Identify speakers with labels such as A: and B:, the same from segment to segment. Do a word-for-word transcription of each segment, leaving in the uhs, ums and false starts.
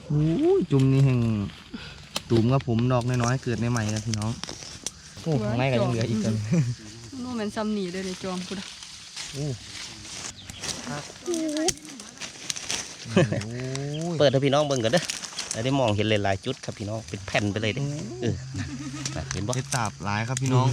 A: โอ้จุ่มนี่แห่งตุ่มกับผมดอกน้อยๆเกิดในใหม่นะพี่น้องโอ้ข้างในก็ยังเหลืออีกกัน
B: นู่นมันซ้ำหนีเลยในจอมพุทธ
A: โอ้
C: เปิดให้พี่น้องเบิ่งกันเด้อได้มองเห็นหลายๆจุดครับพี่น้องเป็นแผ่นไปเลยเด้เออเห็นบ่
A: เห็ดตาบหลายครับพี่น้อง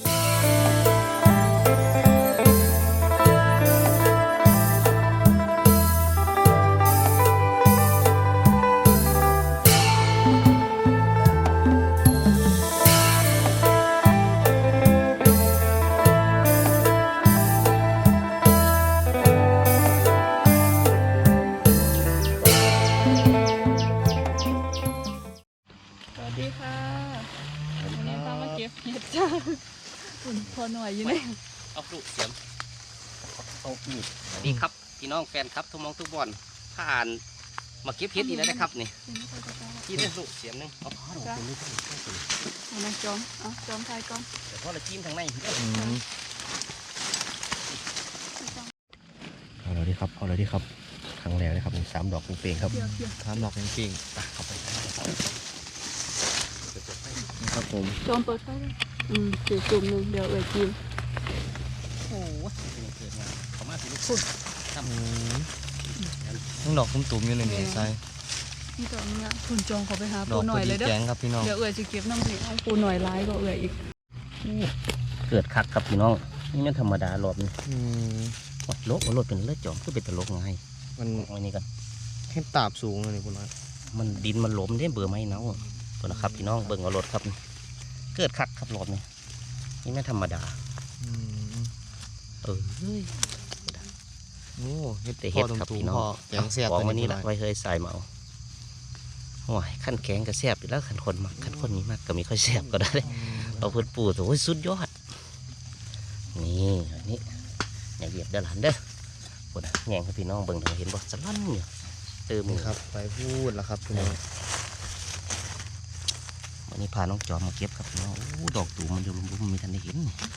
B: พอหน่อยอยู่เลย
C: เอาลูกเสียมเอาอีกนี่ครับพี่น้องแฟนครับทุกมองทุกบอลผ่านมาเก็บเห็ดอีกแล้วนะครับนี่ที่ได้ลูกเสียมนึงเอาพ่อเราเป็นลูก
B: เอามาจอมเอาจอมทายก่อน
C: แต่พ่อเราจิ้มทางในเอาเลยดิครับเอาเลยดิครับครั้งแรกเลยครับสามดอกเป่งครับ
A: สามดอกเป่ง
C: เข้าไป
A: ครับผม
B: จอมเปิดไฟเลยอืมจุ่มจุ่มหนึ่งเดี๋ยวเอ่ยจิ้ม
C: โอ้โหเกิดมาเขามาถึงลูกพุ่นทำ
A: ทั้งดอกตุ่มๆอยู่ในนี้ใส่
B: นี่ตอนนี้คุณจองเขาไปหาปูหน่อยเลยเด้อ
A: ครับพี่น้อง
B: เดี๋ยวเอ่ยจะเก็บน้ำเหนียวเอาปูหน่อยร้ายก็เอ่ยอีก
C: เกิดคักครับพี่น้องนี่มันธรรมดาหลบนี่วัดโลกวัดโลกเป็นเลือดจอมก็เป็นตลกไง
A: มัน
C: อันนี้กัน
A: เห็ดตาบสูงเลยคุณน้อย
C: มันดินมันหลมได้เบื่อไหมเนาะตัวนะครับพี่น้องเบิ่งเอารถครับเกิดคักครับรถนี่นี่ไม่ธรรมดาเออ
A: โอ้เห็ด
C: แต่เห็ดครับพี่น้อง
A: แกงแซ่บ
C: ของวันนี้ละไว้เคยใส่เมาโอ้ยขั้นแข็งก็แซ่บอยู่แล้วขั้นคนมากขั้นคนนี้มากก็มีค่อยแซ่บก็ได้เอาเพื่อนปูโอ้ยสุดยอดนี่อันนี้อย่าเหยียบเด้อหลานเด้อปวดแง่งครับพี่น้องเบิ่งเห็นบ่สลั่นเนี่ยเติม
A: ครับไปพูดแล้วครับพี่น้อง
C: วันนี้พาน้องจอมมาเก็บครับพี่น้องโอ้ดอกตูมันอยู่ลุ่มๆมีทันได้เห็น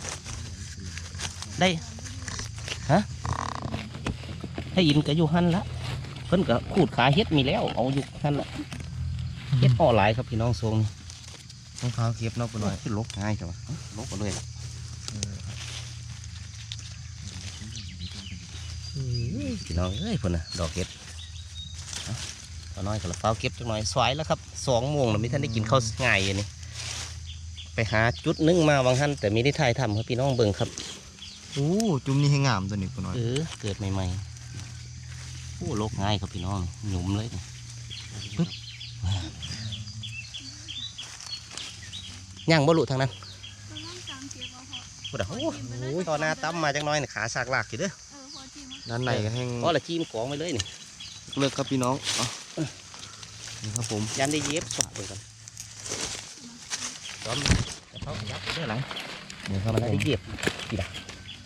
C: ได้ฮะให้อินก็อยู่หันละเพิ่นก็ขูดขาเฮ็ดมีแล้วเอาอยู่หันละเฮ็ดอ่อหลายครับพี่น้องทรงนี่
A: ต้องเท้าเก็บนอกไปหน่อย
C: ขึ้นลกง่ายใช่ไหมลกก็เลยพี่น้องเอ้ยเพิ่นน่ะดอกเฮ็ดตอนน้อยก็ละเฝ้าเก็บจังหน่อยสวยแล้วครับสองโมงแล้วไม่ทันได้กินข้าวง่ายอย่างนี้ไปหาจุดนึงมาบางท่านแต่ไม่ได้ถ่ายทำครับพี่น้องเบิ่งครับ
A: โอ้จุ่มนี่ให้งามตัวนี้คุณน้อย
C: เออเกิดใหม่ๆโอ้โลกง่ายครับพี่น้องหยุ่มเลยปึ๊บย่างบลุทางนั้นโอ้โหตอนหน้าตั้มมาจังน้อยขาสากหลากอยู่เด้อ
A: ด้านในก็แห้ง
C: ก็ละจิ้มกองไปเลยนี่
A: เลิกครับพี่น้องนี่ครับผม
C: ยันได้เย็บสวะไปกันจอมจะเข้ายับได้หลัง
A: นี่ครับ
C: มันได้เย็บกี่ดา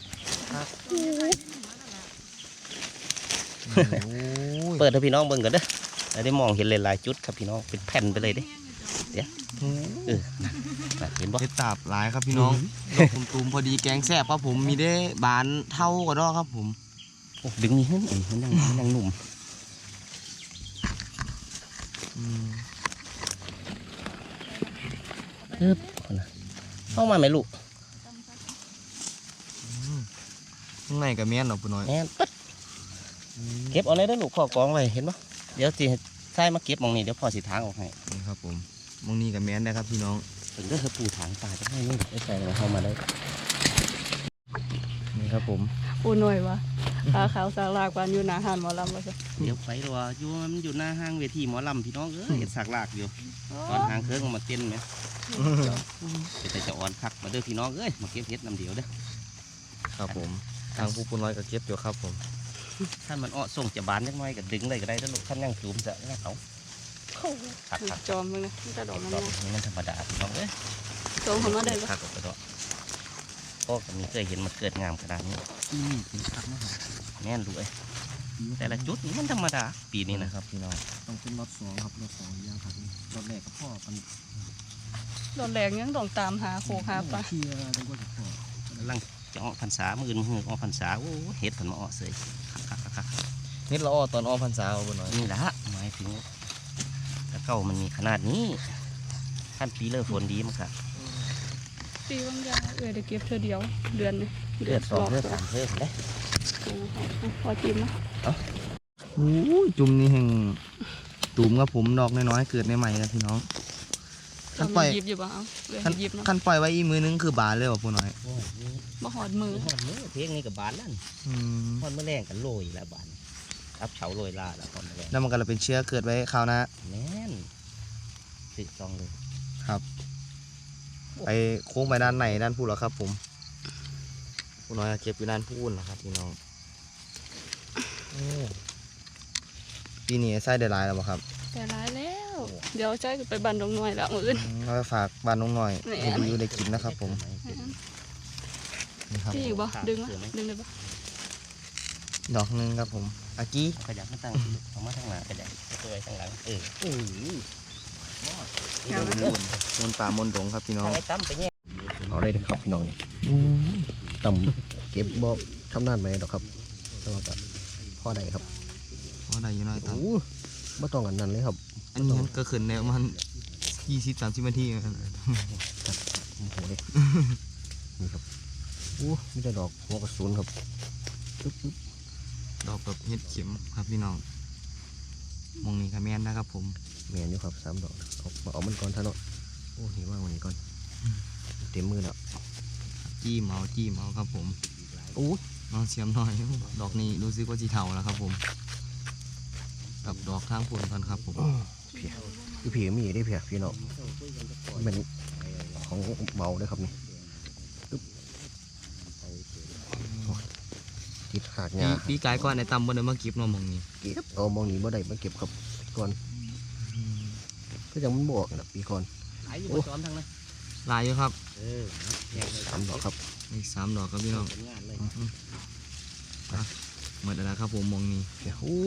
C: เปิดให้พี่น้องเบิ่งกันเด้อได้มองเห็นหลายๆจุดครับพี่น้องเป็นแผ่นไปเลยเด้เดี๋ยวเออเห็นบ่
A: เห็ดตาบหลายครับพี่น้องดอกตุ่มๆพอดีแกงแซ่บครับผมมีได้บานเท่าก็ได้ครับผม
C: ดึงนี่ขึ้นมันยังมันยังหนุ่มเออเข้ามาไหมลูก
A: ข้างในกับแม่นหรอปุ่นน้อย
C: แม่นปั๊ดเก็บเอาเลยได้ลูกพ่อกองไว้เห็นปะเดี๋ยวจีใส่มาเก็บมองนี่เดี๋ยวพ่อสีทางออกให้
A: นี่ครับผมมองนี่กับแม่นได้ครับพี่น้อง
C: ถึงได้ปูถางตาจะให้นี่ได้ใส่เข้ามาได้
A: นี่ครับผม
B: ปูหน่อยวะขาขาวสากลากวานอยู่หน้าห้างหมอลำวะสิ
C: เดี๋ยวไปตัวอยู่มันอยู่หน้าห้างเวทีหมอลำพี่น้องเออเห็นสากลากอยู่ตอนห้างเครื่องมาเต้นไหมแต่จะอ่อนคักมาเด้อพี่น้องเอ้ยมาเก็บเห็ดน้ำเดียวเด้อ
A: ครับผมทางผู้ปุ่นน้อยก็เก็บอยู่ครับผม
C: ท่านมันอ้อส่งจะบานยังไงก็ดึงเลยก็ได้ถ้าลูกท่านยังจูมจะง่ายเขา
B: ขัดขัดจอมเลยนะนี่จะดอกมัน
C: นี่มันธรรมดาพี่น้องเอ้ย
B: จอมของมันได้
C: คักกับกระโดดพ่อกับมีเคยเห็นมันเกิดงามขนาดนี้
A: อืมเป็นคักมาก
C: แน่นด้วยแต่ละจุดนี่มันธรรมดาปีนี้นะครับพี่น้อง
A: ต้องเป็นรถสองครับรถสองย่างครับรถแรกกับพ่อกัน
B: รถแรกยังต้องตามหาโคหาปลา
A: เที่ยวต้องก็จะพ่อ
C: ลังจะอ้อพรรษามือมืออ้อพรรษาโอ้เห็ดผันมาอ้อเสยคักคักคัก
A: เห็ดละอ้อตอนอ้อพรรษาเอาบนหน่อย
C: นี่แหละหมายถึงเก้ามันมีขนาดนี้ขั้นปีเลิกฝนดีมั้งครับ
B: ปีบางอย่างเออเดี๋ยวเก็บเธอเดียวเดือนนึง
C: เลือดสองเลือดสามเลือดเลย
B: พอจิ้มนะ
A: โอ้ยจุ่มนี่แห่งตูมครับผมดอกน้อยๆเกิดใหม่ๆนะพี่น้องขั้นปล่อย
B: หยิบอยู่บ้างเอาเลย
A: ขั้น
B: หยิบเนาะ
A: ขั้นปล่อยไว้อีกมือนึงคือบานเลยว่ะผู้น้อย
C: โอ้ยนี่
B: บ่หอดมือ
C: หอดมือเพลงนี้กับบานนั่น
A: อืม
C: หอดมือแรงกันโรยแล้วบานอับเฉาโรยลาแล้วหอดมือแรง
A: แล้วมันก็เลยเป็นเชื้อเกิดไว้คราวหน้า
C: แน่นสิซองเลย
A: ครับไปโค้งไปด้านไหนด้านพูดเหรอครับผมผู้น้อยเก็บอยู่ด้านพูดนะครับพี่น้องโอ้ปีนี้ไส้ได้หลายแล้วบ่ครับ
B: แต่ร้ายแล้ว เดี๋ยวใจไปบันดงหน่อยแล้วมื้ออื่น
A: อืมเราไปฝากบ้านน้องหน่อย
B: แหม่
A: ให้ดูได้กินนะครับผมนี่ครับ
B: พี่อีกบ่ดึงวะดึงได้บ่
A: ดอกหนึงครับผมอากี้
C: ขยับมาตั้งเอามาทางหน้าก็ได้ตัวไว้ทางหลังเออโอ้ย
A: มนป่ามนดงครับพี่น้อง
C: ทางไอ้ตั้มไปเนี่ย
D: เอาได้เลยครับพี่น้องนี่ต่ำเก็บบ่ทำนานไหมดอกครับแต่ว่าก็พอได้ครับ
A: เพราะได้อยู่น้อยตัง
D: โอ้ไม่ต้องอันนั้นเลยครับ
A: อันนี้มันก็ขึ้นในประมันยี่สิบสามสิบนาทีครับ
D: โอ้โหเลยนี่ครับโอ้ไมแต่ได้ดอกหัวกระสุนครับปึ๊บปึ๊บ
A: ดอกแบบเห็ดเข็มครับพี่น้องมองนี่ค่ะแม่นนะครับผม
D: แมนอยู่ครับสามดอกเอามาเอามันก่อนท่านเนาะโอ้นี่ว่างวันนี้ก่อนเต็มมือแล้ว
A: จี้เมาจี้เมาครับผม
D: โอ้
A: น้องเสียมหน่อย ดอกนี้รู้สึกว่าจีเทาแล้วครับผมกับดอกข้างผลกันครับผม
D: เพียคือผีมีได้เพียพี่น้องมันเป็นของเบาเลยครับนี่ปึ๊บโอ้ยติดขาด
A: ปี
D: งา
A: ปีกายก่อนในตำบนเดมาเก็บเนอมองนี้
D: เก็บเอามองหนีบ่ได้มาเก็บครับก่อนก็ยังมันบอกนะปีก่อน
C: ไอ้อยู่บนซ้อมทางนั้น
A: ลายอยู่ครับ
C: เออแยกเลย
D: สามดอกครับ
A: อีกสามดอกครับพี่น้อง
C: เป็นงานเลย
A: อื้อหืออ่ะหมดแล้วครับผมมองนี้
D: เดี๋ยวอู้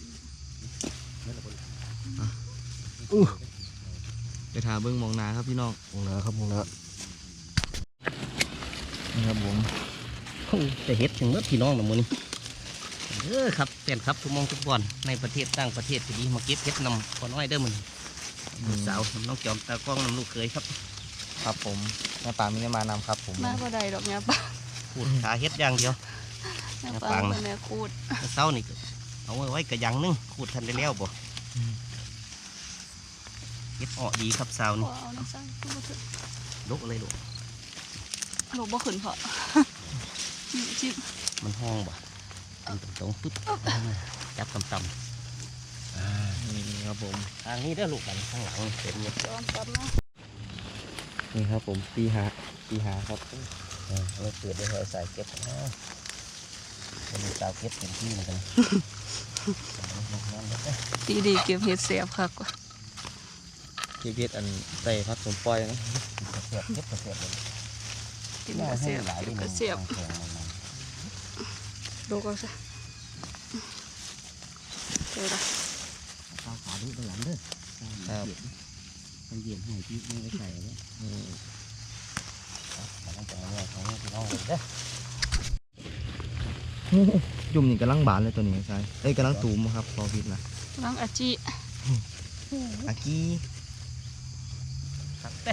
A: ไปทาเบิ้งมองนาครับพี่น้อง
D: มองนะครับมองนะ
A: นี่ครับผม
C: จะเฮ็ดถึงเมื่อพี่น้องนะมื้อนี้เออครับแฟนครับทุกหมองทุกบอนในประเทศต่างประเทศก็ดีมาเก็บเฮ็ดนำพอน้อยเด้อมื้อนี้ลูกสาวน้องจอมตากล้องนำลูกเคยครับ
A: ครับผมแม่ปลาไม่ได้มานำครับผม
B: มาบ่ได้ดอกเนี่ยป้า
C: พูดขาเฮ็ดอย่างเดียว
B: เนี่ย
C: อย่า
B: ป้า
C: ฟังนะ
B: แม่คูด
C: เมื่อเช้านี่ก็เอาไว้ไว้กระยังนึงขูดทันได้แล้วบ่เฮ็ดออกดีครับสาว
B: บ่
C: นี่
B: เอาน้ำสั่งบ่ถึง
C: ลกเลยลูก
B: ลูกบ่ขึ้นเพาะนี่ชิม
C: มันห้องบ่ตรงตรงๆปึ๊บจับต่ำ
A: นี่ครับผม
C: ๆทางนี้เด้อลูกกันข้างหลังเต็มเนี่ย
B: ยอมกลับมา
A: นี่ครับผมปีหาปีหาครับ
C: เออเอาไว้เปิดได้เลยใส่เก็บนะเป็นสาวเก็บเต็มที่เหมือนกัน
B: ปีดีเก็บเห็ดเสียบคักว่ะ
A: เก็บเห็ดอันใส่พักสมปล่อยนะ
C: เสียบเก็บเสียบเลย
B: กินกระเสียบ
C: หลาย
B: กิน
C: เล
B: ก
C: ย
B: ระเสียบดูก็ซะเจอละ
C: ข้าวขาดูด้านหลังเด้อ
A: ครับ
C: มันเย็นให้พี่ไม่ได้ใส่เลยมันต้องแต่งเนี่ยของพี่น้องเลยเด้อ
A: จุ่มนี่กำลังบานเลยตัวนี้ใช่เอ้ยกำลังตูมครับพอพิดนะ
B: ล้างอาจิ
A: อากี้
C: ครับเด้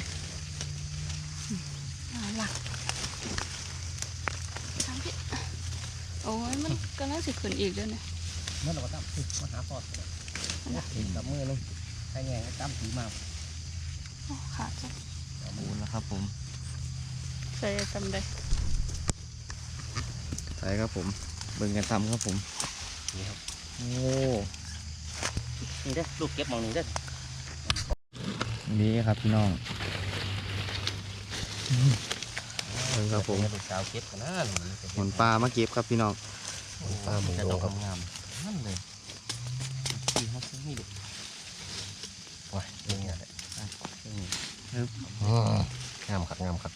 B: น่ารักทางพี่โอ้ยมันกำลังสิขึ้นอีกเด้อเนี่ย
C: เมื่อเราก็ตั้มมาหาปอดเลยถึงกับมือนึงใครแง่ตั้มถือมา
B: โอ้ขาดจ้ะ
A: ปูนแล้วครับผม
B: ใส่ทำได้
A: ใช่ครับผมเบิ่งกันทำครับผม
C: นี่ครับ
A: โอ้
C: นี่เด้อลูกเก็บมองนี่เด้อ
A: นี่ครับพี่น้องเบิ่งครับผม
C: ลูกสาวเก็บกันนะ
A: หนปลามาเก็บครับพี่น้อง
D: ปลาหมู
C: แต่
D: โด
C: ดอง ก
D: ครับ
C: งามนั่นเลยที่เขาซื้อนี่ลูก
D: ว้ายนี่ไง
C: นี่
D: อืมงามครับงามครับ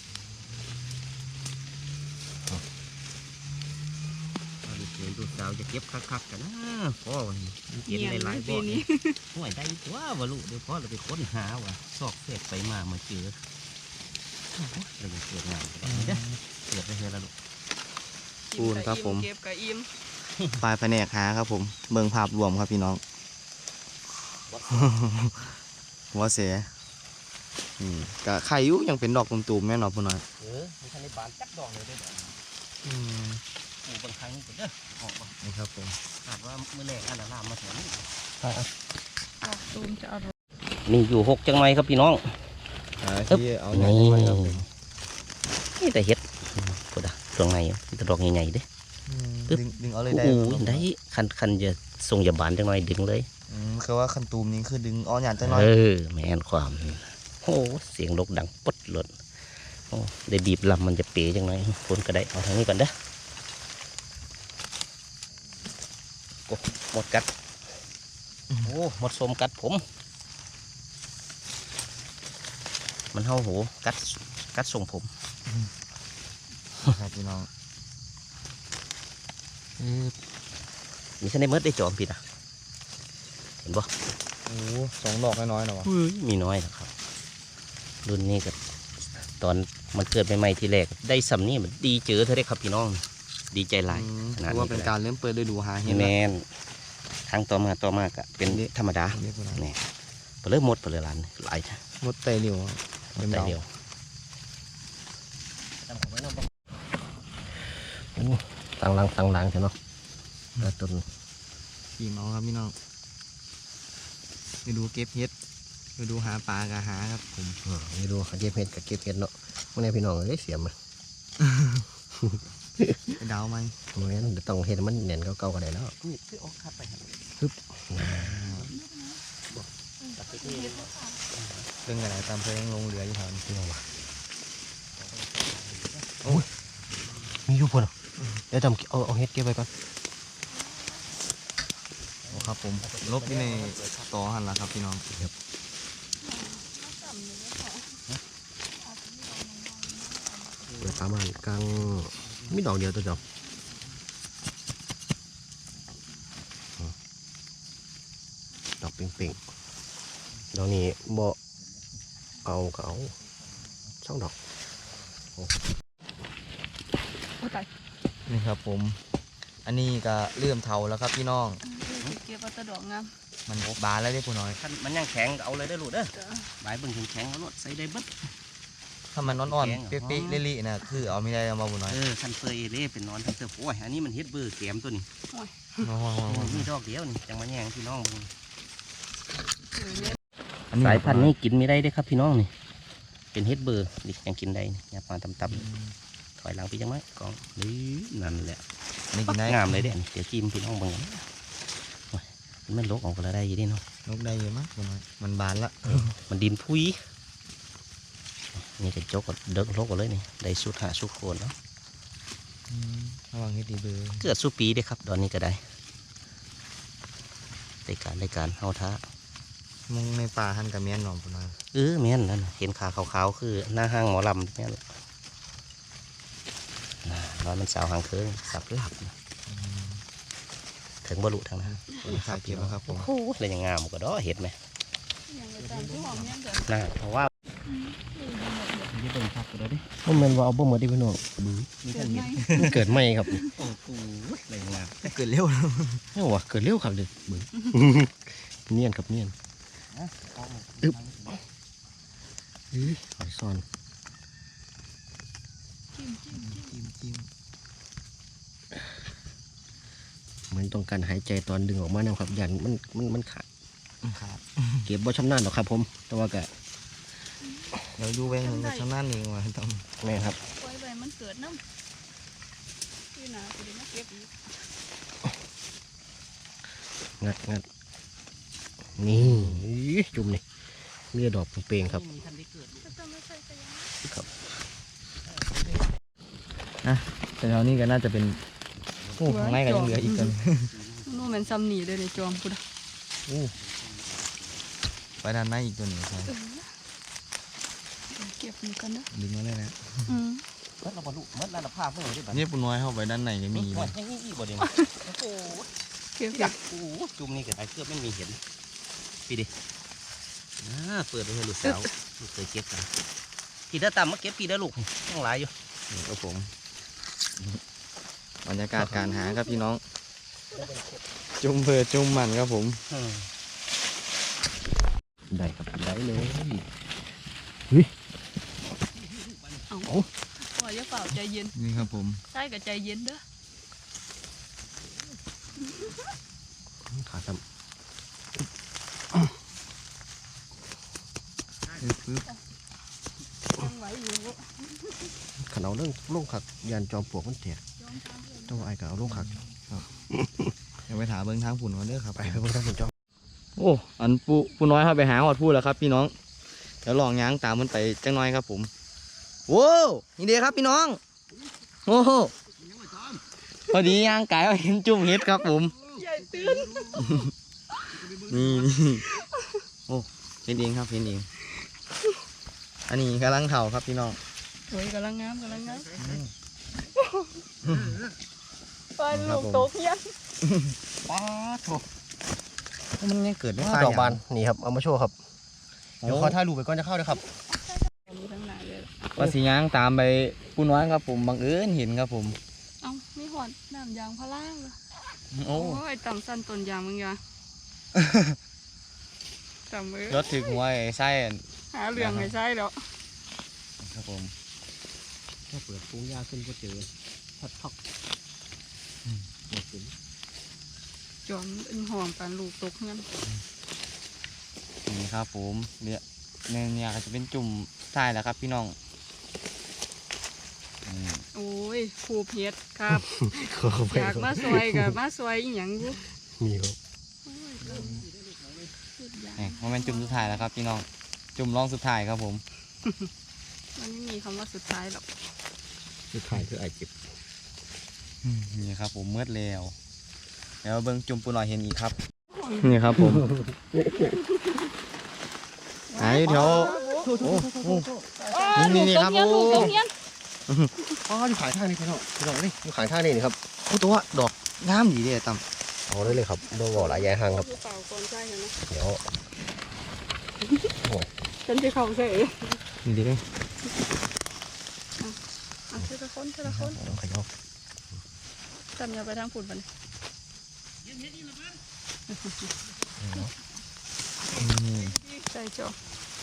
C: เอาลูกเขยลูกสาวจะเก็บคักๆกันนะพ่อวันนี้เก็บหลายๆบ่
B: ปี
C: อ
B: นี้
C: ห่วยได้ตัววะลูกเดี๋ยวพ่อเราไปค้นหาว่ะซอกเศษไปมามาเจอเราจะเกิดงานกันนี่เด้อเกิดไปเฮละลูก
A: ปูนครับผม
B: เก็บกับอิ่ม
A: ปลายแผนกหาครับผมเบิ่งภาพรวมครับพี่น้องหัวเสียอืมกะไข่อยุยังเป็นดอกตุ่มๆแม่นอนพุ่นน้อย
C: เออมีทันในบานจักดอกเลยได้อ
A: อืม
C: ปลูกบางครั้งนี่ก็เด้อออกมา
A: นี่ครับผม
C: คาดว่ามื้อแรกอันนั้นลามมาถึงนี่
B: ดอกตูมจะอร่อย
C: นี่อยู่หกจังไรครับพี่น้อง
A: อ่าที่เอาหน่อย
C: นี่
A: ไว้ครับผม
C: นี่แต่เห็ดพูดอะตรงไหนมีแต่ดอกใหญ่ๆเด้
A: อืม
C: ปึ๊บ
A: ดึงดึงเอาเลย
C: โอ้
A: ได้
C: โห
A: บ่ครับ
C: ได้คันคันจะส่งยาบานจังไรดึงเลย
A: อืมคือว่าคันตูมนี้คือดึงอ้อนหยาดจังน้อย
C: เออแม่นความโอ้เสียงนกดังปดหล่นโอ้ได้บีบลำมันจะเป๋จังไรคนก็ได้เอาทางนี้ก่อนเด้อโอ้หมดกัดโอ้หมดสมกัดผม มันเห่าโหกัดกัดส่งผม
A: ครับพี่น้อง
C: มีฉันได้เมิดได้จอมผิดอ่ะเห็นปะ
A: โอ้สองดอกน้อยๆนะวะ
C: มีน้อยนะครับ รุ่นนี้กับตอนมันเกิดใหม่ๆทีแรกได้สำนี่มันดีเจอเธอได้ครับพี่น้อง ดีใจหลาย
A: อืม
C: ขนาดนี้
A: ถือว่าเป็นการเริ่มเปิดฤดูหาเห็ด
C: แม
A: แล้ว
C: นทางต่อมาต่อมากะเป็นธรรมดา
A: เรียกว่าอะไร
C: เนี่ยไปเริ่มหมดไปเลยร้านหลายจ้ะ
A: มดไตเหนียวอะเต็ม
C: แต่
A: ดาว
C: เดียว
D: ตั้งหลังตั้งหลังใช่เนาะแล้วต้น
A: ขี่เมาครับพี่น้องไปดูเก็บเห็ดไปดูหาปลากะหาครับผม
D: อ่าไม่รู้เก็บเห็ดกับเก็บเห็ดเนาะมื่อนี้พี่น้องเอ้ยเสียมมัน
A: ไปดาวไหม
D: เมื่อนั้นต้องเห็ดมันเน่นเก่าๆกันได้แล้ว
C: นี่คือออกคัดไปครับ
A: เรื่องอะไรตามเพลงลงเรืออยู่แถวนี้
D: พี่น้องมาโอ้ยมีอยู่พนเดี๋ยวจำเอาเอาเห็ดเก็บไว้ก่อน
A: โอ้ครับผมลบที่ในต่อหันละครับพี่น้อง
D: เปิดประมาณกลางมีดอกเดียวตัวเดียวอืมดอกเป่งๆดอกนี้บ่เอาก็เอาช่องดอก
B: โอ้ตาย
A: นี่ครับผม อันนี้ก็เริ่มเทาแล้วครับพี่น้อง
B: เก็บเอาแตะดอกงาม
A: มันบานแล้วเด้อผู้น้อย
C: คันมันยังแข็งก็เอาเลยได้อลูกเด้อ
B: จ้ะ
C: ใบเบิ่งแข็งๆเอาลวดใส่ได้เบิด
A: ถ้ามันอ่อน
C: แกง
A: ๆ
C: เหรอ
A: เป๊ะๆเละๆนะคือเอาไม่ได้เอามาผู้น้อย
C: เออคันเฟยเอเล่เป็นนอนทั้งเตอโอ้ยอันนี้มันเฮ็ดเบอร์แกมตัวนี้
A: ว้าวๆ
C: มีดอกเดียวนี่จังมาแย่งพี่น้องเบิ่ง
B: เออเนี่ย
A: ๆอันนี้
C: สายพันธุ์นี้กินไม่ได้เด้อครับพี่น้องนี่เป็นเฮ็ดเบอร์ดิยังกินได้นี่อย่ามาต่ำๆถอยหลังไปจังไหมกองนี่นั่นแหละ
A: อันนี้กินได้
C: งามเลยเด้นี่เดี๋ยวจิ้มพี่น้องเบิ่งกันโอ้ยมันไม่ลกออกก็แล้วได้อยี่ดิเนาะ
A: นกได้เยอะมากผู้น้อยมันบานละ
C: มันดินพุยนี่จะจกก็เดิกลกกันเลยนี่ได้สุดหาสุดโคนเนาะ
A: อืมระวังให้ดีเบอร์
C: เกิดสุปีเด้อครับตอนนี้ก็ได้ได้การได้การเฮาท้า
A: มุงในป่าหันกับเมียนหนอมผู้น้อย
C: เออแม่นนั่นน่ะเห็นขาขาวๆคือหน้าห้างหมอลำแม่นละน่ะร้อนมันสาวหางเคืองสับหลับนะถึงบรรลุทางนั้น
A: ขาเก็บแล้วครับผม
C: โอ้โหเลยยังงามก็ดอเห็ดไหม
B: อย่างไรตามที่หอมเนี่ยเดี๋ยว
C: น่าเพราะว่า
A: นี่เป็นพักก็ได้ดิ
D: มันแม่นว่าเอาบ่หมดดิพี่น้อง
C: มี
B: เกิ
C: ท่า
B: ด
C: น
B: ไหม
C: เห็ด
D: มันเกิดใหม่ครับ
C: โอ้โหเลยยังงาม
A: เกิดเร็วแล้ว
D: นี่ว่าเกิดเร็วครับเด็กเบิ่ง เนียนครับเนียน อึ๊บ เอ้ยหอยซ่อน
B: จิ้มจิ้มจิ้ม
A: จิ้มจิ้ม
D: เหมือนต้องการหายใจตอนดึงออกมาแนวครับยันมันมันมันขาด
A: ครับ
D: เก็บบ่ชำนาญหรอกครับผม แต่ว่าก็
A: เดี๋ยวดูแวงหนึ่งกับช่างนั่นเองว่ะต้อง
D: แม่ครับ
B: ปล่อยไปมันเกิดน้ำที่นาไปดีมาเก็บอีก
D: งัดงัดนี่อี๋จุ่มนี่มีแต่ดอกเปลงๆครับ
C: มีท่านได้เกิด
B: ก็ต้องไม่ใช่ไปยัง
D: ครับ
A: แต่แถวนี้ก็น่าจะเป็นโอ้ข้างในก็ยังเหลืออีกกัน
B: นู่นมันซ้ำหนีเลยในจอมพุทธ
A: โอ้ไปด้านในอีกตัวหนึ่งครับ
B: เออเก็บมันกันนะ
A: ดึงมาเลยนะ
B: อืม
C: เมื่อเราบรรลุเมื่อเราภาพเมื่อไหร่ได้บ้าง
A: นี่ปุ่นน้อยเข้าไปด้านในก็มี
C: หม
A: นะ
C: ดยังมีอีกบ่เดียวโอ้โห
B: เก็บ
C: อยากโอ้โหจุ่มนี่ก็ได้เกือบไม่มีเห็นพี่ดิอ่าเปิดไปให้ลูกสาวลูกเคยเก็บกันพี่เด้อตามมาเก็บพี่เด้อลูกต้องหลายอยู่
A: นี่ครับผมบรรยากาศการหาครับพี่น้อง จุ่มเบอร์จุ่มมันครับผม
C: อืม
D: ได้ครับได้เลย
B: เอาปล่อยอย่าเปล่าใจเย็น
A: นี่ครับผม
B: ใช่กับใจเย็นเด้อ
D: ขาซ้
A: ปึ๊บ
B: ยังไหวอยู่
D: ำขันเอาเรื่องลงขักยันจอมปลวกมันแตกต้องไอ้ก็เอาลงขัก
A: เดี๋ยวไปถามเบิ้งทางผุ่นก่อนเด้อครับ
D: ไปไปเบิ่งทางคุณจอม
A: โอ้อันปูปูน้อยครับไปหาหอดพูดแล้วครับพี่น้องเดี๋ยวลองย้างตามมันไปจังน้อยครับผมโว้วนี่เดียครับพี่น้องโอ้โหพอดีย่างไก่เอาเห็นจุ่มเห็ดครับผม
B: ใหญ่ตื่น
A: นี่นี่โอ้เห็นเองครับเห็นเองอันนี้กำลังเข่าครับพี่น้อง
B: โอ้ยกำลังงามกำลังงามไปลูกโตเพี้ยน
A: ป้าโถมันยังเกิดได้
D: ดอกบานนี่ครับเอามาโชว์ครับเดี๋ยวขอถ่ายรูปไปก่อนจะเข้าเลยครับ
B: มีทั้งหลายเลย
A: ว่าสีย่างตามไปปูน้อยครับผมบังเอิญเห็นครับผม
B: เอ้ามีหอดน้ำยางพาราเหรอ
A: โอ้
B: โอ้ยต่ำสั้นต้นยางมึงยาต่ำมือ
A: รถถึงหัวไอ้ไส้อัน
B: หาเรื่องไม่ใช่แล้ว
A: ครับผม
D: ถ้าเปิดปุ้งยาขึ้นก็เจอพัดพักหมดสิน
B: จอมเป็นห่วงการลูกตกเงิน
A: นี่ครับผมเนี่ยเนี่ยเนี่ยก็จะเป็นจุ่มทรายแหล้วครับพี่น้องอืม
B: โอ้ยผูเพียดครับ
D: เข้าไป
B: อยากมาซอยกับมาซอยอีหยังอยู่
D: มีครับ
B: โอ้ยสุดยอด
A: นี่มันเป็นจุ่มสุดท้ายแล้วครับพี่น้องจุ่มรองสุดท้ายครับผม
B: มันไม่มีคำว่าสุดท้ายหรอก
D: คือถ่ายคือไอเจ็บ
A: อืมนี่ครับผมมืดแล้วเดี๋ยวเบิ้งจุ่มปูหน่อยเห็นอีกครับนี่ครับผมหายแถวโอ้โห นี่นี่ครับ
B: ลูก
A: โอ้
B: ตกเงี้ย
D: อ๋ออยู่ขายท่านี่พี่น้องพี่น้องนี่อยู่ขายท่านี่นี่ครับ
A: โอ้ตัวดอกงามดีเด้ตั้ม
D: เอาได้เลยครับโดนบ่อหลายแย่หางครับ
B: ลูกเปล่าก่อนใช่ไหม
D: เดี๋ยว
B: ฉันจะเข้าใส่
A: นี่ดีเลย
B: อ่ะเทละคนเทละคน
D: เอาขยับ
B: จำอย่าไปทางฝุ่นมัน
A: นี่
B: ใส่จอ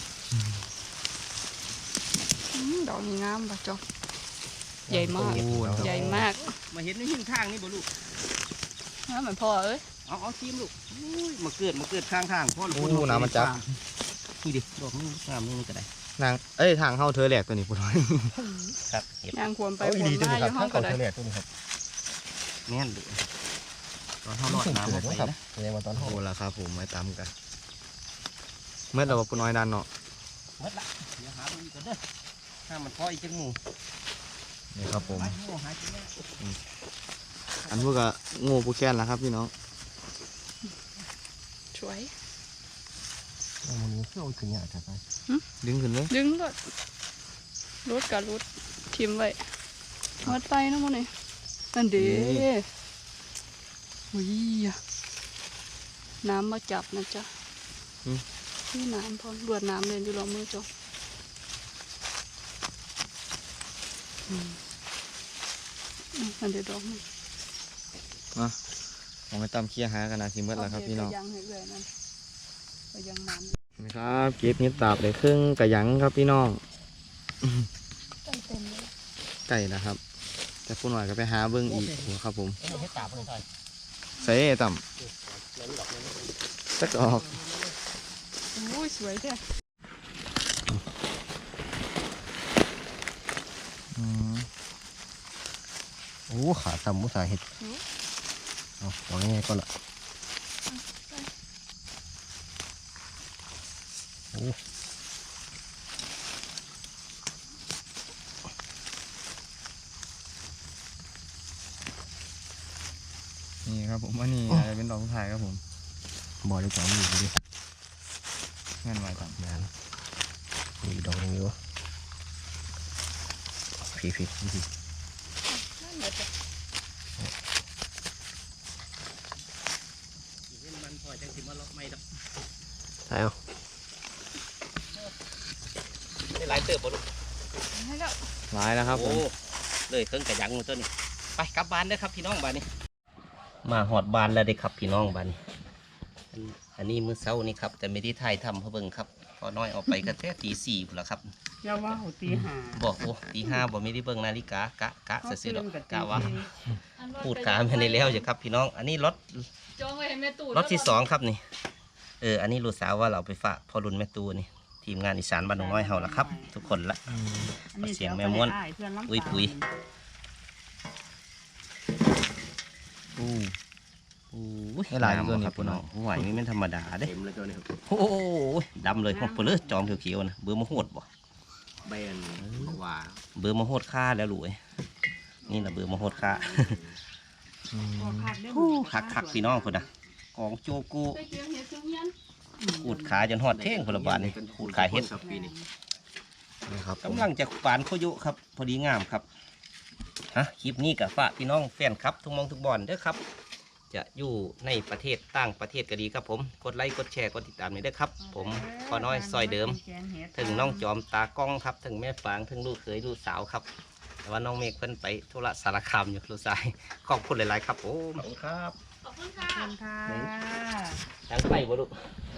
B: อืมดอกนี้งามป่ะจอใหญ่มาก ใหญ่มาก
C: มาเห็นในหิ้งทางนี่บ่ลูก
B: น้าเหมือนพ่อเอ้ย
C: เอาเอาทีมลูกอุ้ยมาเกิดมาเกิดข้างทางพ่อลูก
A: โอ้น้ำมันจับ
C: นี่ดิดอกนี้งามนี่ก็ได้
A: นางเอ้ยทางเข้าเธอแหลกตัวนี้ปูน้อย
C: ครับเห็ด
B: ยางควรไป
D: เอา
B: คว
D: ดี
B: ร
D: ตัว
B: มา
D: นี้
B: อ
D: ครับ
B: ยู่ห้อ
D: ข้าง ง
B: ก็
D: เขา
B: ได้
D: ทะเลตัวนี้ครับ
C: แม่นดูตอนเขาลอดน้ำออกไป
D: ครับ
C: นะ
D: ในวันตอน
A: โอ้
D: เขา
A: ละครับผมไว้ตามกันเมื่อเราปูน้อยดันเนาะ
C: หมดละเดี๋ยวหาดูอีกก่อนเด้อถ้ามันพออีกจังหมู่
A: นี่ครับผม
C: ไปโง่หาจริงแน่
A: อันพวกก็งูปูแค้นแล้วครับพี่น้อง
B: สวย
D: มันมีเครื่องขึ้นยากจัดไป
A: ดึงขึ้นเลย
B: ดึงรถรถกับรถทิมไว้วัดไปนะมันนี่นั่นเด้อุ้ยน้ำมาจับนะจ๊ะนี่น้ำพอรวดน้ำเลยอยู่รอมือจออืมอืมนั่นเดี๋ยวดอกนี่
A: ผมไปตามเคลียร์หากันนะสิเมื่อแล้วครับพี่น้อง
B: ไปยังให้เรื่อยนั่นไปยังน้ำ
A: นะครับเก็บเห็ดตาบได้ครึ่งกระหยังครับพี่น้อง
B: เต็มเต็มเลย
A: ไก่นะครับ แต่ผู้หน่อยก็ไปหาเบิ้งอีกครับผม
C: เฮ็ดตาเพิ่นซอย
A: ใส่ต่ำสักออก
B: โอ้ยสวยแท้
D: โอ้ขาต่ำมุสาเห็ดเอาเอาง่ายๆก่อนละโอ้
A: นี่ครับผมอันนี้อาจจะเป็นดอกสุดท้ายครับผม
D: บ่อได้จังอยู่ดิ
A: เงื่อนไว้ต่ำ
D: งานมีดอกอย่างนี้วะพี่พี่พี่
B: นั่นแหละจ้ะ
C: เห็นมันพอจังสิมาล็อกไม่ดอก
D: ใช่เอา
C: ได้หลายเติบบ่ลูก
B: ให้แล้ว
A: หลายแล้วครับผม
C: โอ้เลยเครื่องกระยังตัวนี้ไปกลับบ้านเด้อครับพี่น้องบ้านนี้ มาหอดบ้านแล้วเด้อครับพี่น้องบ้านนี้อันนี้มื้อเช้านี่ครับแต่ไม่ได้ถ่ายทำเพราะเบิ่งครับพอน้อยออกไปก็แค่ตีสี่พุ่นละครับ
B: อย่าว่าหูตีหา
C: บอกโอ้ตีห้าบอกไม่ได้เบิ่งนาฬิกากะกะเสียดอกกะว่า
B: อัน
C: พูดกาไม่ได้แล้วจ้ะครับพี่น้อง อันนี้รถ
B: จองไว้ให้แม่ตู่
C: รถที่สองครับนี่เอออันนี้ลูกสาวว่าเราไปฝากพ่อรุ่นแม่ตูนี่ทีมงานอีสานบ้านหนองน้อยเฮาละครับ ทุกคนละ เสียงแม่ม้วนอุ้ยปุ๋ย อู้อู้
A: ให้หลายตัวนี่
C: ครับ
A: พุ่
C: พี่
A: น
C: น้
A: น้
C: อ
A: อง ง
C: หัวนี่มันธรรมดาเด้
D: เต็มเลยตัวนี้ครับ
C: โอ้โหดำเลยของเปลือกจอมเขียวๆนะเบอร์มะโหดบ่
D: ใบอันว่า
C: เบอร์มะโหดค่าแล้วลูกเอ้ยนี่นะเบอร์มะโหดค่า
A: อืม
C: คักคักๆพี่น้องคนนะกองโจกู
B: ไปเจียงเห็ดเจียงเฮียน
C: ขูดขาจนหอดเท่งคนละบาทนี่ขูดขาเฮ็ด
D: ครับปีนี้
A: นี่ครับผม
C: กำลังจะปานโคยุครับ พอดีงามครับฮะคลิปนี้กับฝากพี่น้องแฟนครับ ทุกหมองทุกบอลเด้อครับ จะอยู่ในประเทศต่างประเทศก็ดีครับผมกดไลค์กดแชร์กดติดตามนี้ด้วยครับ ผมพอน้อยซอยเดิม ถึงน้องจอมตากล้องครับ ถึงแม่ฟางถึงลูกเขยลูกสาวครับ แต่ว่าน้องเมฆเพิ่นไปธุระสารคามอยู่ลูกชายขอบคุณหลายๆครับผม
D: ขอบคุณครับ
B: ขอบคุณค่ะ
C: ทั้งไปบ่ลูก